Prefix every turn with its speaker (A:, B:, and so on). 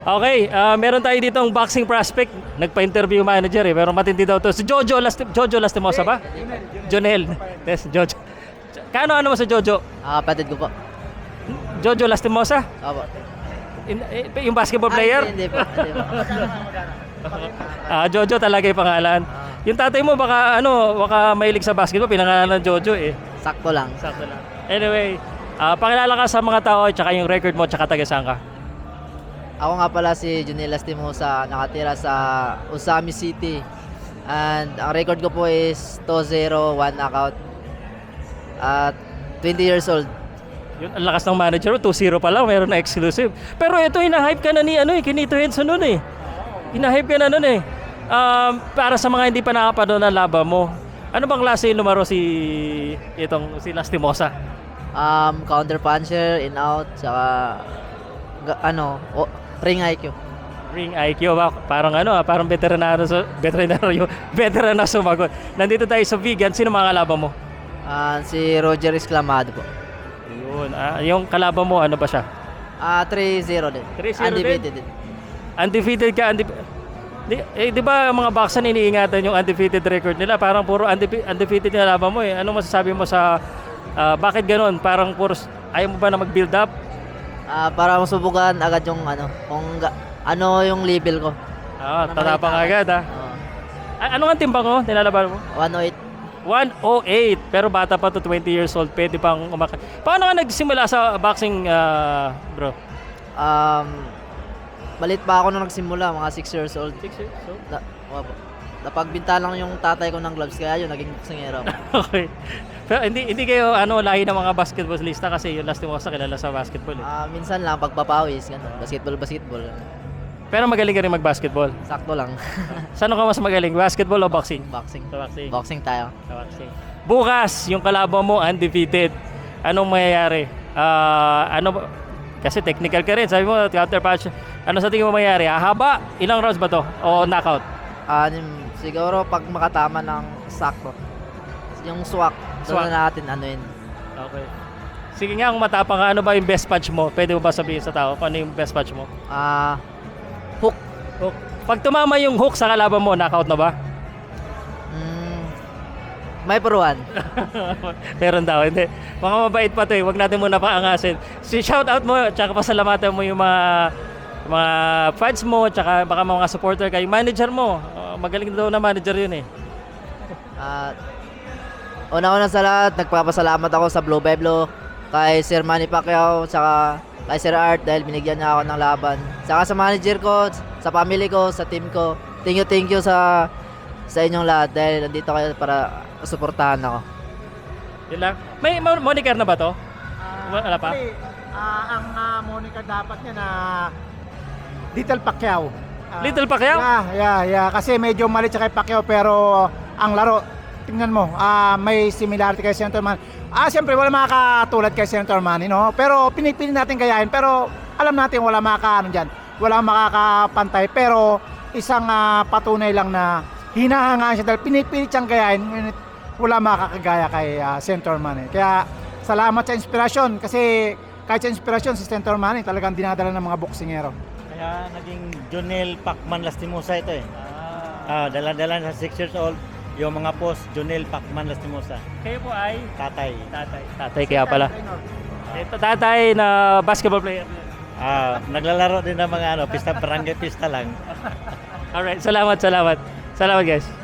A: Okay, meron tayo dito ang boxing prospect. Nagpa-interview yung manager eh, pero matindi daw to. Si Jojo Lastimosa ba? Jonel. Yes, Jojo. Ano mo sa Jojo?
B: Kapatid ko po.
A: Jojo Lastimosa?
B: Opo.
A: Yung basketball player?
B: Hindi po. Hindi po.
A: Jojo talaga yung pangalan. Yung tatay mo baka mahilig sa basketball, pinangalan ng Jojo eh.
B: Sakto lang.
A: Sakto lang. Anyway, pakilala ka sa mga tao at saka yung record mo at saka taga saan ka?
B: Ako nga pala si Junel Lastimosa, nakatira sa Usami City. And ang record ko po is 2-0, 1 knockout. At 20 years old.
A: Yun, ang lakas ng manager mo, 2-0 pa lang, meron na exclusive. Pero ito, hina-hype ka na ni Kinito Henson nun eh. Hina-hype ka na nun eh. Para sa mga hindi pa nakapanood ng laban mo, ano bang klase yung numero si Lastimosa?
B: Counter puncher, in out, saka ring IQ.
A: Ring IQ ba? Parang parang veteran na sumagot. Nandito tayo sa vegan, sino mga kalaban mo?
B: Si Roger Esclamado po.
A: Yun, yung kalaban mo, ano ba siya?
B: 3-0 din.
A: 3-0
B: Undefeated din.
A: Undefeated ka, di ba mga boxer iniingatan yung undefeated record nila? Parang puro undefeated na laban mo eh. Ano masasabi mo sa bakit ganoon? Parang puro ayaw mo ba na mag-build up?
B: Para masubukan agad yung kung yung level ko.
A: Tatapang agad ha. Ano ang timbang mo? Nilalaban mo?
B: 108.
A: 108. Pero bata pa to, 20 years old. Pwede pang Paano ka nagsimula sa boxing, bro?
B: Malit pa ako nung nagsimula, mga 6 years old.
A: 6 years old?
B: Napagbinta lang yung tatay ko ng gloves, kaya yun, naging boksingero.
A: Okay. Pero hindi kayo lahi ng mga basketballista kasi yung Lastimosa kilala sa basketball eh.
B: Minsan lang, pagpapawis, ganun. Basketball.
A: Pero magaling ka rin mag-basketball.
B: Sakto lang.
A: Saan ka mas magaling? Basketball o boxing?
B: Boxing.
A: Sa boxing.
B: Boxing tayo.
A: Sa boxing. Bukas, yung kalaban mo undefeated. Anong mangyayari? Kasi technical ka rin. Sabi mo, counter punch. Ano sa tingin mo mangyayari? Haba? Ilang rounds ba to? O knockout?
B: Siguro pag makatama ng sakto. Yung swak. Doon na natin yun.
A: Okay. Sige nga, kung matapang ka, ano ba yung best punch mo? Pwede mo ba sabihin sa tao kung ano yung best punch mo?
B: Hook.
A: Pag tumama yung hook sa kalaban mo, knockout na ba?
B: May puruan.
A: Meron daw, hindi. Mga mabait pa to eh. Huwag natin muna paangasin. Shout out mo, tsaka pasalamatan mo yung mga fans mo, tsaka baka mga supporter kayo. Manager mo, magaling daw na manager yun eh.
B: Una-una sa lahat, nagpapasalamat ako sa Blue Pueblo, kay Sir Manny Pacquiao, tsaka kay Sir Art dahil binigyan niya ako ng laban. Tsaka sa manager ko, sa family ko, sa team ko. Thank you sa inyong lahat dahil nandito kayo para suportahan ako.
A: Yun lang. May moniker na ba to? Wala pa?
C: Ang moniker dapat niya na Little Pacquiao.
A: Little Pacquiao?
C: Yeah. Kasi medyo mali siya kay Pacquiao pero ang laro, tingnan mo, may similarity kay Senator Manny. Siyempre wala makakatulad kay Senator Manny, no? Pero pinipili natin gayahin. Pero alam natin wala dyan. Walang makakapantay. Pero isang patunay lang na hinahangaan siya dahil pinipilit siyang gayahin. Wala makakagaya kay Senator Manny. Kaya salamat sa inspirasyon kasi kahit sa inspirasyon si Senator Manny talagang dinadala ng mga boksingero.
D: Kaya naging Jonel Pacman Lastimosa ito eh. Dala-dala sa 6 years old. Yung mga post, Jonel Pacman Lastimosa.
A: Kayo po ay?
D: Tatay.
A: Tatay kaya pala. Ito tatay na basketball player.
D: Naglalaro din ng mga barangay pista lang.
A: Alright, salamat. Salamat guys.